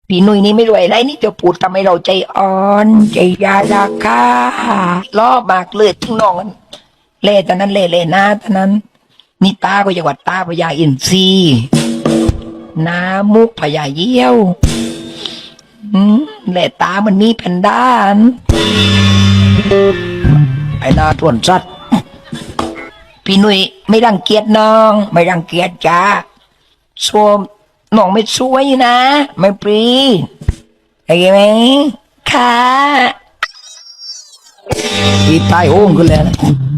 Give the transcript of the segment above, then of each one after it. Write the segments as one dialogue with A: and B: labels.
A: พี่นุ้ยนี่ไม่รวยไรนี่จะพูดทำให้เราใจอ่อนใจยาลาคาล้อมากเลยทั้งน้องกันเล่ตอนนั้นเล่หน้าตอนนั้นนี่ตาก็จังหวัดตาพญาอินทรีน้ามุกพญาเยี่ยวเล่ตามันมีแพนด้านไอ้หน้าทวนสัตว์พี่นุ้ยไม่รังเกียจน้องไม่รังเกียจจ้าชมน้องไม่สวยนะไม่ปรีไอ้ไหมค่ะที่ใต้โอ่งกันเลยนะ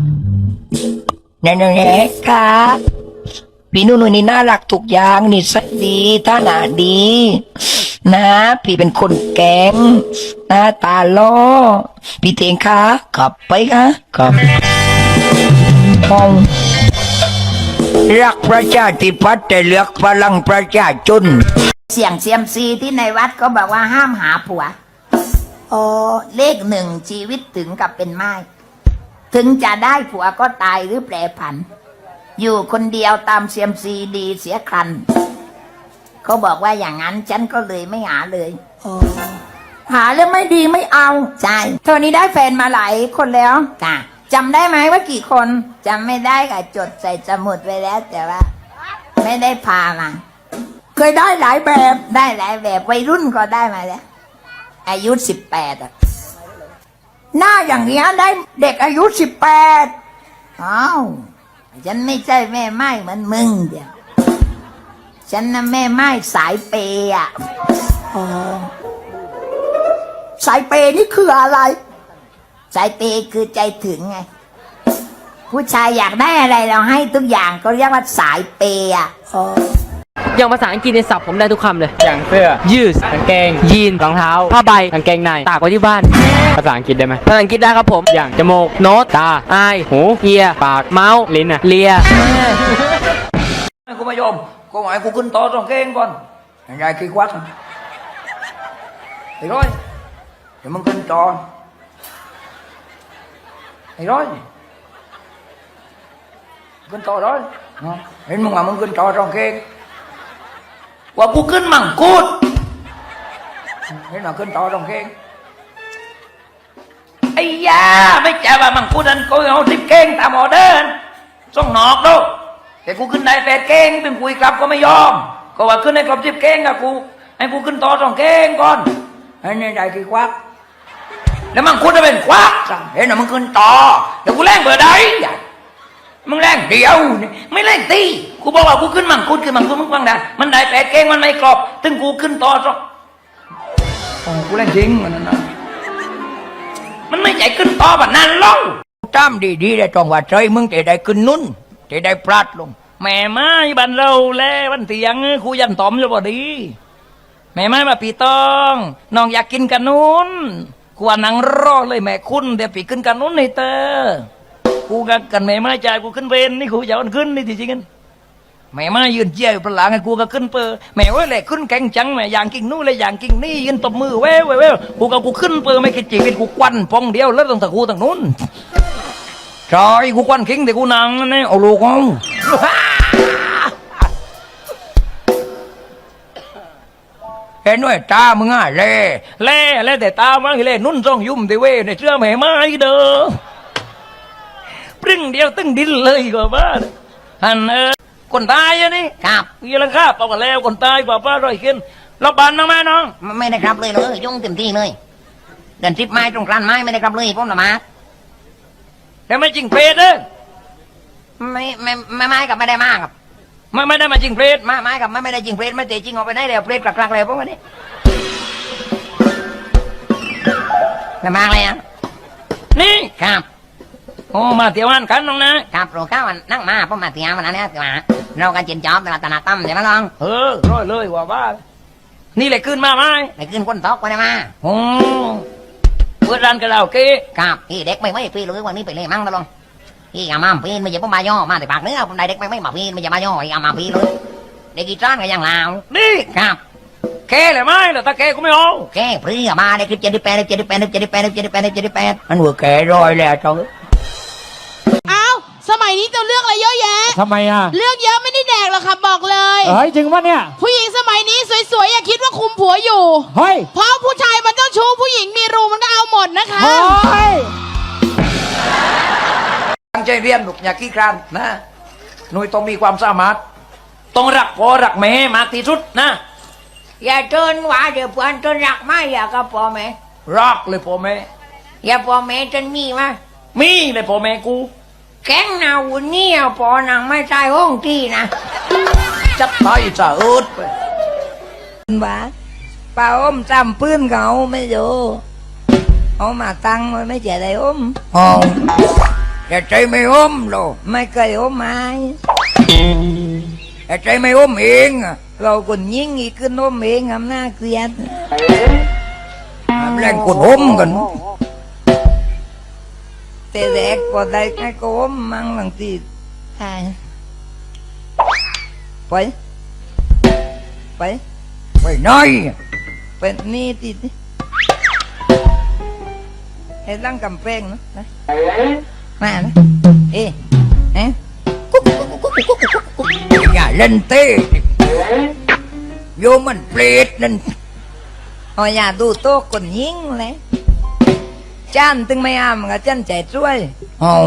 A: นั่นแหละค่ะพี่นุ่นนี่น่ารักทุกอย่างนี่สักดีท่าหนาดีนะพี่เป็นคนแกงหน้าตาล้อพี่เทงค่ะขับไปค่ะขับห้องรักประชาธิปัตย์แต่เลือกพลังประชาชน
B: เสี่ยงเซียมซีที่ในวัดก็บอกว่าห้ามหาผัวโอ้เลขหนึ่งชีวิตถึงกับเป็นไม้ถึงจะได้ผัวก็ตายหรือแปรผัน อยู่คนเดียวตามเซียมซีดีเสียครันเขาบอกว่าอย่างนั้นฉันก็เลยไม่หาเลยหาแล้วไม่ดีไม่เอาใช่เท่านี้ได้แฟนมาหลายคนแล้วค่ะจำได้ไหมว่ากี่คนจำไม่ได้ค่ะจดใส่สมุดไว้แล้วแต่ว่าไม่ได้พามาเคยได้หลายแบบได้หลายแบบวัยรุ่นก็ได้มาแล้วอายุ18หน้าอย่างเงี้ยได้เด็กอายุ18อ้าวฉันไม่ใช่แม่ไม้เหมือนมึงเดียวฉันน่ะแม่ไม้สายเปย์อ่ะสายเปย์นี่คืออะไรสายเปย์คือใจถึงไงผู้ชายอยากได้อะไรเราให้ทุกอย่างก็เรียกว่าสายเปย์อ่ะ
C: อย่างภาษาอังกฤษในศัพท์ผมได้ทุกคำเลย
D: อย่างเสื้อ
C: ยืด
D: กางเกง
C: ยีน
D: รองเท้า
C: ผ้าใบ
D: กางเกงใน
C: ตากไว้ที่บ้าน
D: ภาษาอังกฤษได้ไหม
C: ภาษาอังกฤษได้ครับผม
D: อย่างจมูก
C: โน้ต
D: ตา
C: อาย
D: หู
C: เอีย
D: ปาก
C: เมาส์
D: ลิ้นอะ
C: เลีย
A: กูไม่ยอมกูหมายกูขึ้นต่อตรงเก่งก่อนยายขี้ควักไอ้ร้อยเดี๋ยวมึงขึ้นต่อไอ้ร้อยขึ้นต่อร้อยเห็นมึงว่ามึงขึ้นต่อตรงเก่งว่ากูขึ้นมังกูดเห็นว่าขึ้นต่อตรงเก่งไอ้ยาไม่ใช่ว่ามังกูดนั่นกูเอาทิพเก่งตามออเดอร์ส่งนอกดูแต่กูขึ้นได้แปดเก่งเป็นคุยกลับก็ไม่ยอมก็ว่าขึ้นในกลับ10 เก่งกับกูให้กูขึ้นต่อ2 เก่งก่อนไอ้นี่ได้กี่ควักแล้วมันคุณจะเป็นควักเห็นหรอมึงขึ้นต่อเดี๋ยวกูแรงเบอร์ใดมึงแรงเดียวไม่แรงตีกูบอกว่ากูขึ้นมังคุดคือมังคุดมึงฟังได้มันได้8 เก่งมันไม่กรอบตึงกูขึ้นต่อกูแรงจริงมันนั่นมันไม่ใจขึ้นต่อแบบนั้นหรอกจำดีๆได้ตรงว่าใจมึงจะได้ขึ้นนุ่นจะได้พลาดลงแม่ไม้บันเราแลวันเตียงครูยันตอมอยู่บ่ดีแม่ไม้มาปีตองน้องอยากกินกันนุนกูว่านังรอเลยแม่คุณเดี๋ยวปีขึ้นกันนุนให้เตอกูกันแม่ไม้ใจกูขึ้นเวนนี่กูจะเอาขึ้นนี่จริงๆกันแม่ไม้ยืนเจียวประหลาดไงกูก็ขึ้นเปอแม่ว่าเลยขึ้นแข่งจังแม่อย่างกิ่งนู้นเลยอย่างกิ่งนี่ยืนตบมือเว้ยกูขึ้นเปอไม่คิดจีเป็นกูควันพองเดียวแล้วต้องตะกูต่างนู้นใช่กูควันคิงแต่กูนังนี่เอาลูกเอาเห็นด้วยตามึงอ่ะเล่แต่ตามึงเล่นุ่นจ้องยุ่มแต่เว้ในเชื่อแม่ไม้เด้อปรึ่งเดียวตึ้งดินเลยกว่าบ้านฮันคนตายอะนี่ครับยี่ลังคาเปล่ากันแล้วคนตายกว่าป้าร้อยขึ้นรับบานน้องแม่น้องไม่ได้ครับเลยยุ่งเต็มที่เลยเดินทริปไม้ตรงกลางไม้ไม่ได้ครับเลยพ่อหน้ามาแต่ไม่จริงเพศเด้อไม่กับไม่ได้มากครับไม่ได้มาจริงเพศไม่กับไม่ได้จริงเพศไม่เตะจริงออกไปได้แล้วเพศกลักๆแล้วพวกนี้ไม่มากเลยอ่ะนี่ครับโอ้มาเที่ยววันกันน้องนะครับโปรข้าวันนั่งมาพ่อมาเที่ยววันนั้นเนี่ยเรากันเจียนจอบตลาดนาตั้มใช่ไหมน้องร้อยเลยว่าบ้านี่เลยขึ้นมาไหมเลยขึ้นคนตอกไปได้มาโอ้เปิดร้านกันแล้วกี้ครับพี่เด็กไม่พี่รู้วันนี้ไปเลยมั่งตลอดพี่อามาพี่ไม่ใช่พ่อมาย่อมาแต่ปากเนื้อผมได้เด็กไม่มาพี่ไม่ใช่มาย่ออามาพี่เลยเด็กกีตาร์ก็ยังลาวนี่ครับแค่เลยไหมแต่ถ้าแค่ก็ไม่เอาแค่พี่อามาได้คลิป78มันหัวแก่รอยแล้วจ้อง
E: อ้าวสมัยนี้จะเลือกอะไรเยอะแยะ
D: ทำไมอ่ะ
E: เลือกเยอะไม่ได้แดกหรอกค่ะบอกเลย
D: เฮ้ยจริงปะเนี่ย
E: ผู้หญิงสมัยนี้สวยๆอย่าคิดว่าคุมผัวอยู่
D: เฮ้ย
E: เพราะผู้ชายมันเจ้าชู้ผู้หญิงมีรูมันก็เอาหมดนะคะ
D: เฮ้ย
A: ตั้งใจเรียนลูกอย่าขี้คร้านนะหนุ่ยต้องมีความสามารถต้องรักพ่อรักแม่มากที่สุดนะ
B: อย่าเดินว่าเดี๋ยวเพื่อนจนรักไม่อยากกับพ่อแม่
A: รักเลยพ่อแม่
B: อย่าพ่อแม่จนมีมา
A: มีเลยพ่อแม่กู
B: แข็งหนาวุ่นนี่เอาพ่อนางไม่ใช่ห้องที่นะ
A: จักไทยจะอึดไป
B: ว่าป้าอมจำปืนเขาไม่ดูเอามาตั้งไว้ไม่เจอได้อม
A: อ๋อแต่ใจไม่อมหรอก
B: ไม่เคยอมไม้
A: แต่ใจไม่อมเองอะ
B: เราคนยิ่งอีกขึ้นอมเองทำหน้าเกลียด
A: ทำแรงกดอมกัน
B: แต่แรกพอได้แค่ก็อมมั่งบางทีใช่ไปไป
A: ไปน้อย
B: เป็นนี่ติดไอ้ตั้งกำแพงเนอะนะมานะเอ๊ะเอ๊ะ
A: อย่าเล่นเต้โยมมันเปรตนั่น
B: เอาอย่าดูโต๊ะคนยิงเลยจ้านถึงไม่อ้ามกับจ้านใจช่วย
A: อ๋อ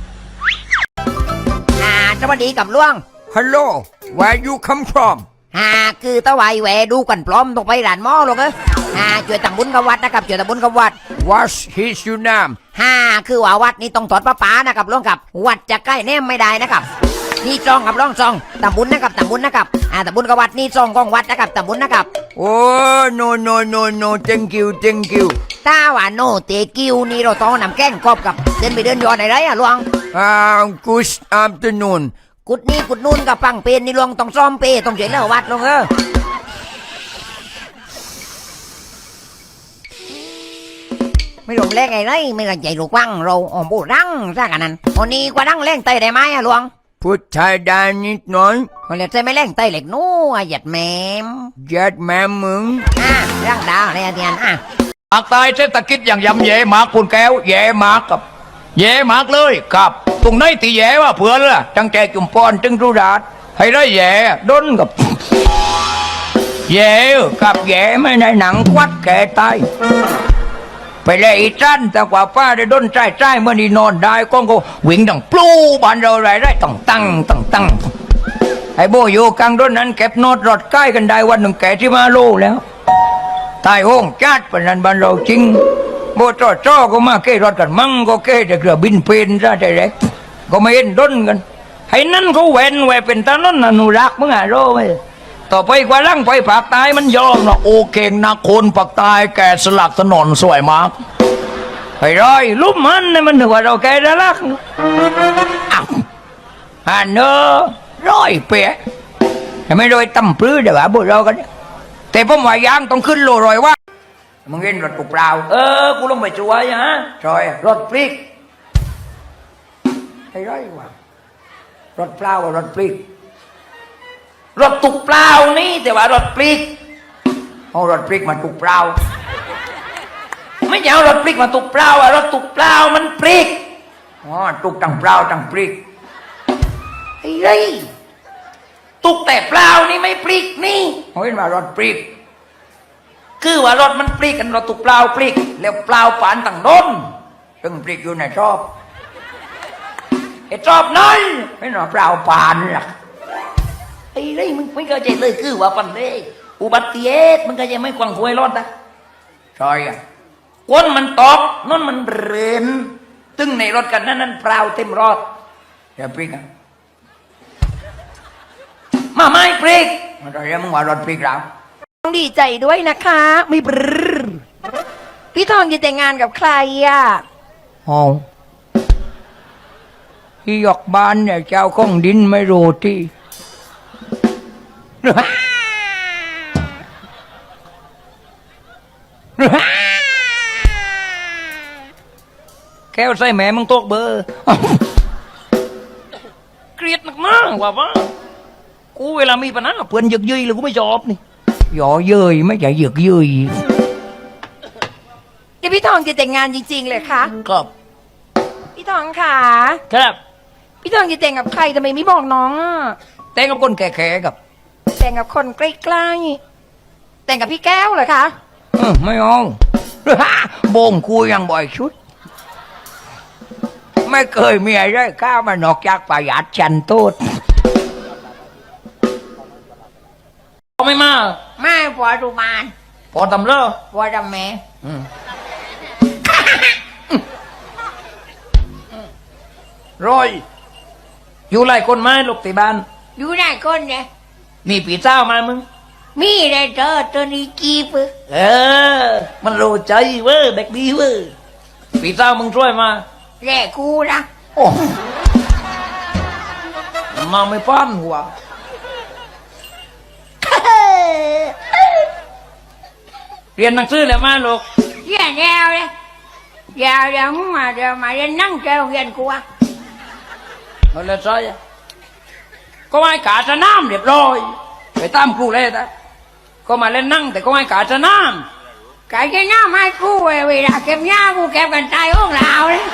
B: สวัสดีกับล่วง
A: Hello where you come from
B: คือตะไวแหวดูกันพร้อมต้องไปร้านหม้อหรอกช่วยตำบุญกับวัดนะครับช่วยตำบุญกับวัด
A: What's his your name
B: คือว่าวัดนี่ต้องถอดประปานะครับล่วงกับวัดจะใกล้แนมไม่ได้นะครับนี่ซองครับล่องซองตำบุญนะครับตำบุญนะครับตำบุญกับวัดนี่ซองของวัดนะครับตำบุญนะครับ
A: Oh no no no no thank you thank you
B: ถ้าว่าโนเตกิวนี่เราต้องนำแกล้งกอบกับเดินไปเดินย้อนไหนล่วง
A: good afternoon
B: กุดนี่กุดนู่นกับปังเป็นนี่ลวงต้องซ่อมเปต้องเฉยเล่าวัดลงไม่ลงแรงไงไรไม่รังใจลูกวังเราอ๋อมบูรังซะกันนั้นวันนี้กว่ารังแรงเตยได้ไหมลวง
A: พูดไทยได้นิดหน่อย
B: คนเล็กใจไม่แรงเตยเหล็กนู้หยัดแมม
A: ยัดแม่มึง
B: ร่างดาวอะไรเทียน
A: ภาคใต้เศรษฐกิจอย่างยำแย่มากคุณแก้วแย่มากกับแย่มากเลยครับตรงไหนที่แย่ว่าเผื่อละจังแจจุ่มปอนจึงรูดาดให้ได้แย่ด้นกับแย่กับแย่ไม่ในหนังควัดแก่ตายไปเลยอีจันแต่กว่าป้าได้ด้นใจเมื่อนี่นอนได้ก็วิ่งดังปลูบ้านเราไรต้องตั้งไอ้โบอยู่กลางด้นนั้นเก็บโนดรถใกล้กันได้วันหนึ่งแก่ที่มาโลแล้วตายโห้งจัดปนันบ้านเราจริงโบจ่อก็มาเกรถกันมั่งก็เกแต่เกือบินเป็นซะใจเล็กก็ไม่เห็นด้นกันให้นั่นเขาแหวนเป็นตานั่นอนุรักษ์มึงโรไหมต่อไปกว่าล่างไปปากตายมันยอมนะโอเคนะคนปากตายแกสลักถนนสวยมากไปร้อยลุ่มมันนี่มันถือว่าเราแกได้รักอ้าวเนอร้อยเปียไม่โดยตั้มปลื้อเดี๋ยวบุเรากันแต่ผมว่ายางต้องขึ้นโลรอยว่ามึงเห็นรถปุกเปล่ากูลงไปช่วยฮะช่วยรถพลิกให้ร้อยว่ารถเปล่ารถพลิกรถตุกเปล่านี่แต่ว่ารถพลิกเอารถพลิกมาตุกเปล่าไม่ใช่เอารถพลิกมาตุกเปล่ารถตุกเปล่ามันพลิกตุกตั้งเปล่าตั้งพลิกไอ้ไรตุกแต่เปล่านี่ไม่พลิกนี่เอาเห็นว่ารถพลิกคือว่ารถมันพลิกกันรถตุกเปล่าพลิกแล้วเปล่าปานตั้งโน้นตึงพลิกอยู่ในชอบไอ้ชอบน้อยไม่หนอเปล่าปานหรอกไอ้ไรมึงไม่เข้าใจเลยคือว่าปันเลยอุบัติเหตุมึงก็ยังไม่กวางควยรถนะใช่อะก้นมันตกนั่นมันเรนตึงในรถกันนั่นเปล่าเต็มรถอย่าพลิกอะมาไม่พลิกอะไรมึงว่ารถพลิกแล้ว
B: ดีใจด้วยนะคะไม่บรพี่ทองจะแต่งงานกับใคร
A: อ๋อที่ยกบ้านเนี่ยเจ้าของดินไม่รู้ที่ แก้วใส่แม่มึงตกเบอร์ เกลียดมากๆว่ากูเวลามีปัญหาเพื่อนหยึกยืยเลยกูไม่ชอบนี่หยอเย้ยไม่ใช่หยึกยืย
B: พี่ทองจะแต่งงานจริงๆเลยคะ
A: ครับ
B: พี่ทองค่ะ
A: ครับ
B: พี่ทองจะแต่งกับใครทำไมไม่บอกน้อง
A: แต่งกับคนแก่ๆกับ
B: แต่งกับคนใกล้แต่งกับพี่แก้วเหรอคะ
A: ไม่เอา โบงกูยังบ่อยชุด ไม่เคยมีอะไรข้าวมานอกจากประหยัดฉันโทษไม่มา
B: ไม่ผัวดูมาน
A: พอทำเลิก
B: ผัวดำแม่
A: ร้อยอยู่ไรคนไม้ลูกติบ้าน
B: อยู่ไหนคนเนี่ย
A: มีปีเจ้ามามึง
B: มีได้เจอตัวนี้กีบ
A: เออ มันรู้ใจเว้ยเด็กดีเว้ยปีเจ้ามึงช่วยมา
B: แร่กูนะ
A: โอ้มาไม่ป้านหัวเรียนหนังสือแล้วมาลูก
B: เยี่ยแนวเลยเดี๋ยวมึงมาเดี๋ยวมาเรียนนั่งเจ้าเรียนกูอะ
A: เอาเลยใช่ก็ให้กาจะน้ำเรียบร้อยไปตามครูเลยนะก็มาเล่นนั่งแต่ก็ให้กาจะน้
B: ไก่จะหน้าไม้กูเวลาเก็บหญ้ากูเก็บกันตายห้องเราเลย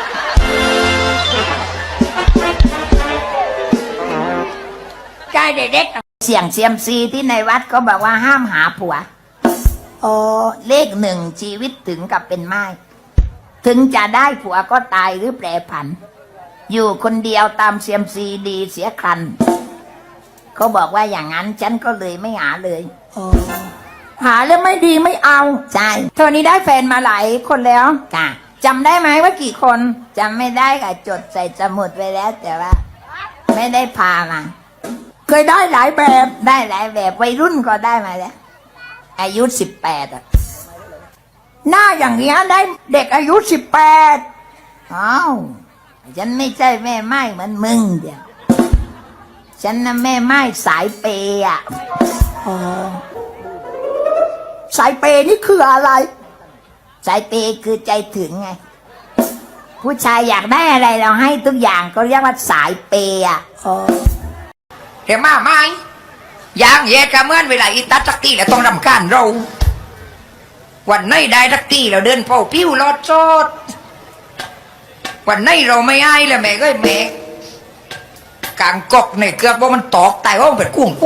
B: ใจเด็กๆเสียงเซียมซีที่ในวัดก็บอกว่าห้ามหาผัวโอ้เลขหนึ่งชีวิตถึงกับเป็นไม้ถึงจะได้ผัวก็ตายหรือแปรผัน อยู่คนเดียวตามเซียมซีดีเสียครันเขาบอกว่าอย่างนั้นฉันก็เลยไม่หาเลยหาแล้วไม่ดีไม่เอาใช่เธอนี้ได้แฟนมาหลายคนแล้วค่ะจำได้ไหมว่ากี่คนจำไม่ได้ค่ะจดใส่สมุดไว้แล้ว แต่ว่า ไม่ได้พามา เคยได้หลายแบบได้หลายแบบวัยรุ่นก็ได้มาแล้ว อายุ18อ่ะหน้าอย่างเงี้ยได้เด็กอายุ18อ้าวฉันไม่ใช่แม่ไม้เหมือนมึงเดียวฉันน่ะแม่ไม้สายเปย์อ่ะสายเปย์นี่คืออะไร สายเปย์คือใจถึงไง ผู้ชายอยากได้อะไรเราให้ทุกอย่างก็เรียกว่าสายเปย์อ่ะเห็นมาไหมอย่างเย็ดกระเมื่อนเวลาอีตัดสักทีแล้วต้องรำคาญเรา วันไหนได้สักทีเราเดินเป่าปิ้วรอดโซดวันไหนเราไม่ให้แล้วแม่ก็แม่กางกอกในเกือบว่ามันตอกตายว่ามันเป็นกุ้ง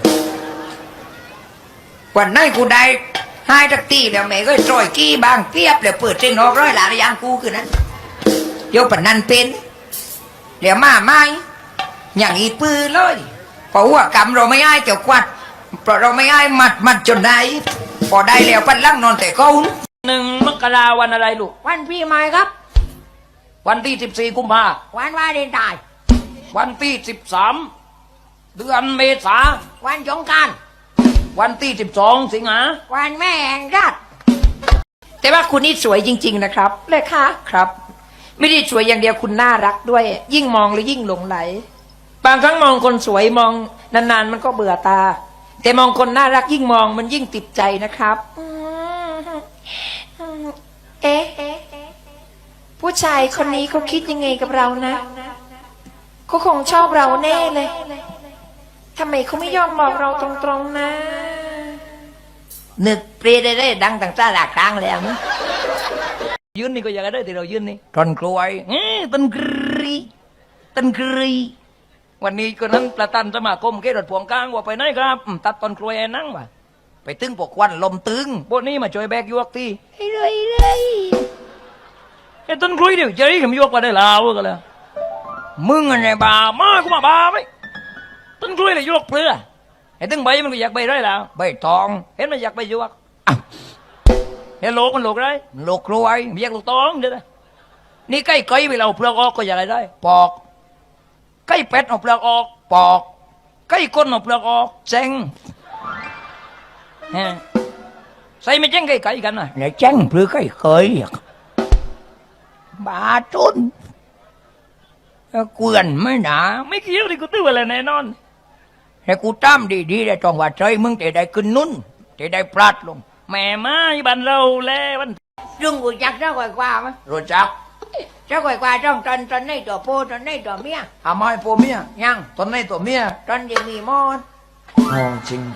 B: วันไหนกูได้ให้สักทีแล้วแม่ก็จอยกี้บางเปียบแล้วเปิดเส้นนอกร้อยหลานอย่างกูคือนั้นโยปนันเป็นเดี๋ยวมาไหมอย่างอีปืนเลยเพราะว่ากรรมเราไม่ให้เจ้ากวัดเพราะเราไม่ให้มัดจนได้พอได้แล้วปันลังนอนแต่เขา
A: 1 มกราวันอะไรลูก
B: วันพี่ใหม่ครับ
A: วันที่14 กุมภา
B: วันวาเลนไทน์
A: วันที่13 เดือนเมษา
B: วันสงกรานต์
A: วันที่12 สิงหา
B: วันแม่แห่งชาติ
D: แต่ว่าคุณนี่สวยจริง ๆนะครับ
B: เลยคะ
D: ครับ ไม่ได้สวยอย่างเดียวคุณน่ารักด้วย ยิ่งมองแล้วยิ่งหลงไหล บางครั้งมองคนสวยมองนานๆมันก็เบื่อตา แต่มองคนน่ารักยิ่งมองมันยิ่งติดใจนะครับ เอ๊ะผู้ชายคนนี้เขาคิดยังไงกับเรานะเขาคงชอบเราแน่เลยทำไมเขาไม่ยอมบอกเราตรงๆนะ
B: นึกเปรียได้ดังต่างชาติหลายครั้งแล้วนะ
A: ยืนนี่ก็อยากได้ที่เรายืนนี่ต้นกล้วยต้นกรีต้นกรีวันนี้ก็นั้นประธานสมาคมเกษตรพวงกลางว่าไปไหนครับตัดต้นกล้วยให้นั่งว่ะไปตึงพวกควันลมตึงพวกนี้มาช่วยแบกยวกทีไอ้ต้นกล้วยเดี๋ยวจะได้ขมยวกมาได้ลาวกันเลยมึงอะไรบ้ามากูมาบ้าไหมต้นกล้วยเลยยวกเปลือไอ้ตึงใบมันก็อยากใบได้แล้วใบทองเห็นมันอยากใบยวกเห็นโลกมันโลกได้โลกกล้วยไม่อยากลูกตองเด้อนี่ใกล้ไกลไปเราเปลือกออกก็อยากได้ปอกใกล้เป็ดเอาเปลือกออกปอกใกล้ก้นเอาเปลือกออกเจ๊งใส่ไม่เจ๊งใกล้ๆกันนะไหนเจ๊งเปลือกใกล้เคยบาจุนเกวียนไม่หนาไม่เกี่ยวดิกูตื้ออะไรแน่นอนแต่กูตามดีๆได้จองว่าใจมึงจะได้ขึ้นนุ่นจะได้พลาดลงแม่ไม้บันเราแล้ววัน
B: รุ่งกูจักเจ้าก่อยกว่ามั้ย
A: รู้จัก
B: เจ้าก่อยกว่าจ้องตอนในตัวโพตอนในตัวเมีย
A: อาไม้ผัวเมีย
B: ยัง
A: ตอนในตัวเมีย
B: ตอนยังมีมอด
A: อ๋อจริง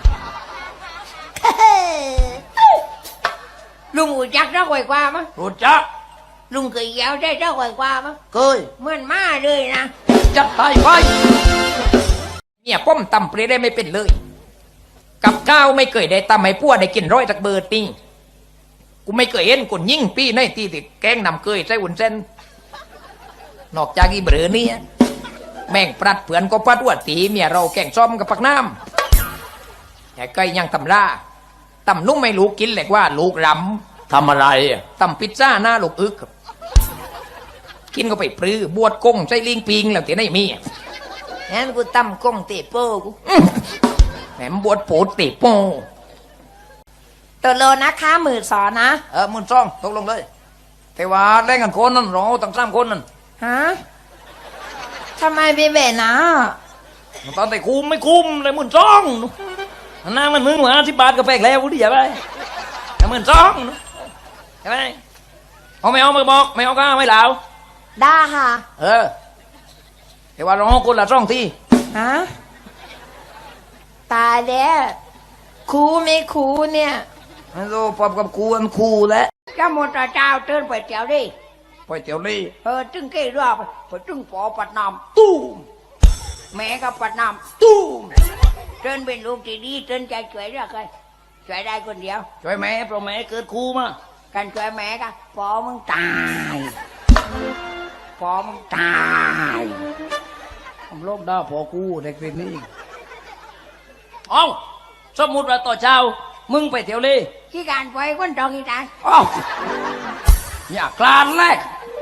B: ลุงกูจักเจ้าก่อยกว่ามั้ย
A: รู้จัก
B: ลุงเคยแย้วได้เจ้าก่อยกว่ามั้ย
A: เคย
B: เหมือนมาเลยนะ
A: จัดตายไป
D: เนี่ยป้อมตำเปรย์ได้ไม่เป็นเลยกับข้าวไม่เคยได้ตำให้พวกได้กินร้อยจากเบอร์ติงกูไม่เคยเห็นคนยิ่งปี้ในตีติดแกงนำเคยใส่หุ่นเส้นนอกจากอีเบอร์นี่แม่งปรัดเผื่อนก็ปัดว่าตีเมียเราแกงซ้อมกับปักน้ำแต่ก็ยังตำราตำนุ่มไม่รู้กินเลยว่าลูกรำทำอะไรตำพิซซ่าหน้าลูกอึกกินก็ไปปรื้อบวดกงใส่ลิงปิงแล้วที่ไหนมีงั้นกูตำกงเตะโป้กูแหมบวชโผดติโปตัวโลนะคะมือสอนนะมือซ่องตกลงเลยแต่ว่าแรงกันคนนั่นเราตั้ง3 คนนั่นฮะทำไมเป็นแบบนั้นตอนแต่คุมไม่คุมเลยมือซ่องนั่งมันมึงหัว10 บาทก็แปลกแล้วกูดิอย่าไปแต่มือซ่องใช่ไหมเอาไม่เอามาบอกไม่เอาก็ไม่เหลา
B: ได้ค่ะ
D: แต่ว่าเราคนละ2 ที่
B: ฮะตายแล้วครูไม่ครูเนี่ย
D: มันโตปอบกับครูอันครูแล้ว
B: จะหมดเจ้าเตือนไปเจ้าดิ
D: ไปเตี๋ยวลี่
B: จึงเกี่ยวไปจึงปอปัดน้ำตู้มแม่ก็ปัดน้ำตู้มเตือนเป็นลูกที่ดีเตือนใจช่วยเรื่องใครช่วยได้คนเดียว
D: ช่วยแม่เพราะแม่เกิดครูมา
B: กันช่วยแม่ก็ปอมึงตายปอมึงตาย
D: ผมโลกด้าพอครูเด็กเป็นนี่เอาสมมุติว่าต่อเช้ามึงไปเที่ยวลี่
B: ที่การไปคนจองที่ตาย
D: อ้าวอย่ากลานแรก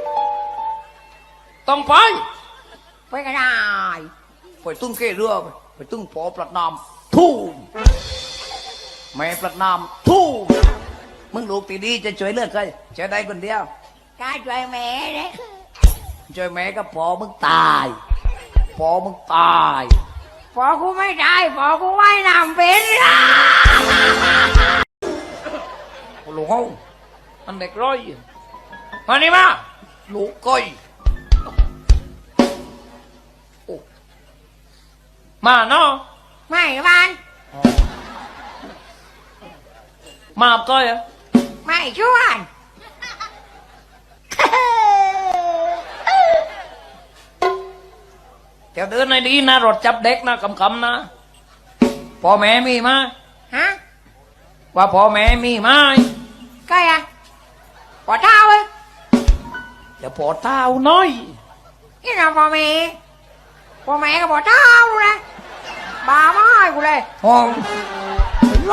D: ต้องไป
B: ไปก็ได้
D: ไปตึ้งเกเรือไปตึ้งปอประนามทูมแม่ประนามทูมมึงลูกตีดีจะช่วยเลือกใครช่วยได้คนเดียว
B: การช่วยแม่เลย
D: ช่วยแม่ก็พอมึงตายพอมึงตาย
B: พอกูไม่ได้พอกูว่ายน้ำเป็นละ
D: โอ้โหเขามันเด็กร้อยมานี่มาลูกก้อยโอ้มาเนาะ
B: ไม่บ้าน
D: มาก้อยอะ
B: ไม่ชวน
D: เดี๋ยวเดินในดีนะรถจับเด็กนะคำๆนะพ่อแม่มีมา
B: ฮะ
D: ว่าพ่อแม่มีไหม
B: ก็ยังปอเท้าเอ้ย
D: เดี๋ยวพอเท้าน้อย
B: นี่เราพ่อแม่ก็ปอเท้าเลยบ้าไม่กูเลย
D: ห้องไร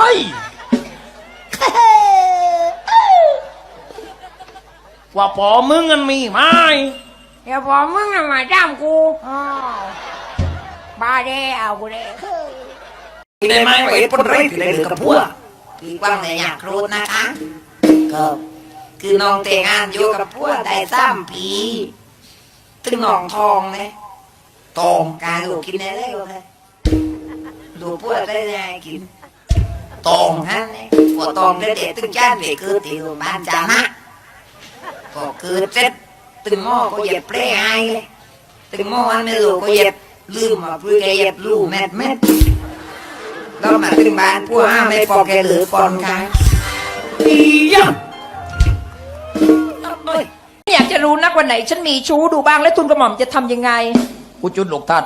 D: ว่าพ่อมึงมันมีไหม
B: เดี๋ยวพอมึงน่ะมาจ้ามกูอ้าวบ้าเด้เอากูเลย
D: ได้ไหมว่าไอ้คนไรที่ได้เหลือกับพวก
B: พี่กว้างเลยอยากรู้นะคะก็คือน้องแต่งงานอยู่กับพวกได้3 ปีถึงน้องทองเลยทองการลูกกินได้เลยเลยดูพวกได้ยังไงกินตองฮะเนี่ยพวกตองเด็ดๆตึงจ้านเด็กคือที่โรงพยาบาลจานะก็คือเจ็ดตึงหม้อก็เหยียบเปรี้ยไอเลยตึงหม้ออันไม่รู้ก็เหยียบลืมมาเพื่อเหยียบลูเม็ดแล้วมาตึงบ้านพวกห้าไม่ปอกแกหรือปอนค่ะอีหยัง
D: อยากจะรู้นักวันไหนฉันมีชู้ดูบ้างและทุนกระหม่อมจะทำยังไงกูจุดลูกทัด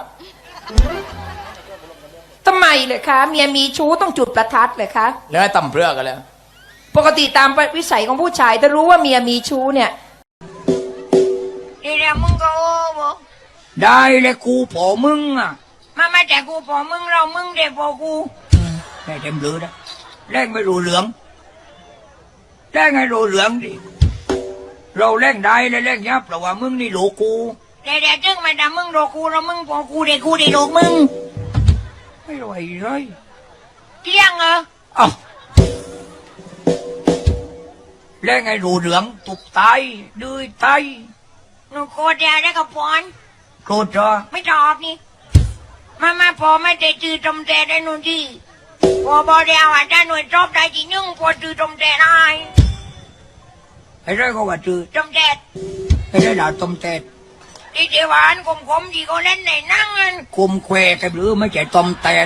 D: ทำไมเลยคะเมียมีชู้ต้องจุดประทัดเลยคะแล้วให้ตำเพื่อกันแล้วปกติตามวิสัยของผู้ชายถ้ารู้ว่าเมียมีชู้เนี่ย
B: เดี๋ยวมึงก็โอ้บ่
A: ได้เลยกูพอมึงอ่ะ
B: มาแต่กูพอมึงเรามึงเด็กพอกู
A: ได้เต็มเรือนะแรงไม่รู้เหลืองแรงให้รู้เหลืองดิเราแรงได้เลยแรงยับเพราะว่ามึงนี่โลกู
B: เดี๋ยวจึงมาด่ามึงโดกูเรามึงพอกูเด็กกูเด็กโดกมึง
A: ไม่ไหวเลย
B: เที่ยงเหรอ
A: อ้าวแรงให้รู้เหลืองตุกตายดื้อตาย
B: หนูโกรธยาได้กับพร
A: โกรธจ้ะ
B: ไม่ตอบนี่มาพอไม่ได้จือจมแต่ได้หนูที่พอบอเดียวอาจจะหน่วยจบได้จริงนึงพอจือจมแต่ได้
A: ไอ้ไรก็ว่าจืด
B: จมแต่
A: ไอ้ไรด่าต้มเตด
B: ที่เทวานคมๆที่เขาเล่นในนั่งนั่น
A: คุมแควกันหรือไม่ใช่ต้มเตด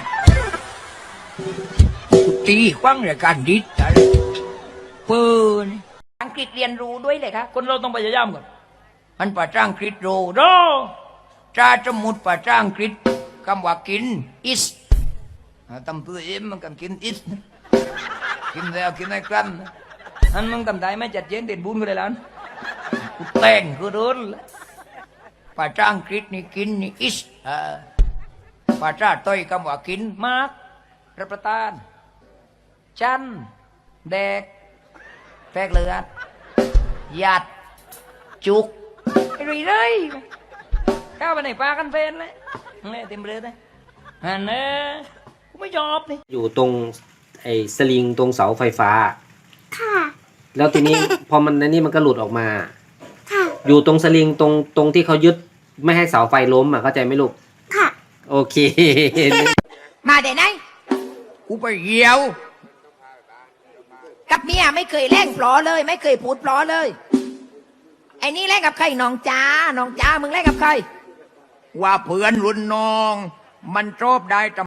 A: กูตีควังรายการดิษอะไรปืน
D: อังกฤษเรียนรู้ด้วยเลยคะคนเราต้องพยายามก่อน
A: มันภาษาอังกฤษโรโรจ้าสมุดภาษาอังกฤษคำว่ากิน
D: is
A: ตำตัวเอ็มมันกันกินอิสกินแล้วกินให้กลั้นอันมึงทำได้ไม่จัดเย็นเด่นบุญก็ได้แล้วกูแต่งกูโดนภาษาอังกฤษนี่กินนี่อิสภาษาต้อยคำว่ากินมากรับประทานจันแดกแตกเลือดหยัดจุกไอ้รีเลยเข้าไปในปลากันเฟนเลยเนี่ยเต็มเลยนะอันนี้กูไม่ยอมนี่
F: อยู่ตรงไอ้สลิงตรงเสาไฟฟ้า ค่ะ แล้วทีนี้ พอมันในนี่มันก็หลุดออกมา ค่ะ อยู่ตรงสลิงตรงที่เขายึดไม่ให้เสาไฟล้มอ่ะเข้าใจไหมลูก ค่ะ โอเค
B: มาเดี๋ยวไหน
A: กูไปเหี่ยว
B: กับเมียไม่เคยแล่งปลอเลย ไม่เคยพูดปลอเลย ไอ้นี่แล่งกับใครน้องจ้าน้องจ้ามึงแล่งกับใคร
A: ว่าเพื่อนรุ่นน้อง มันชอบได้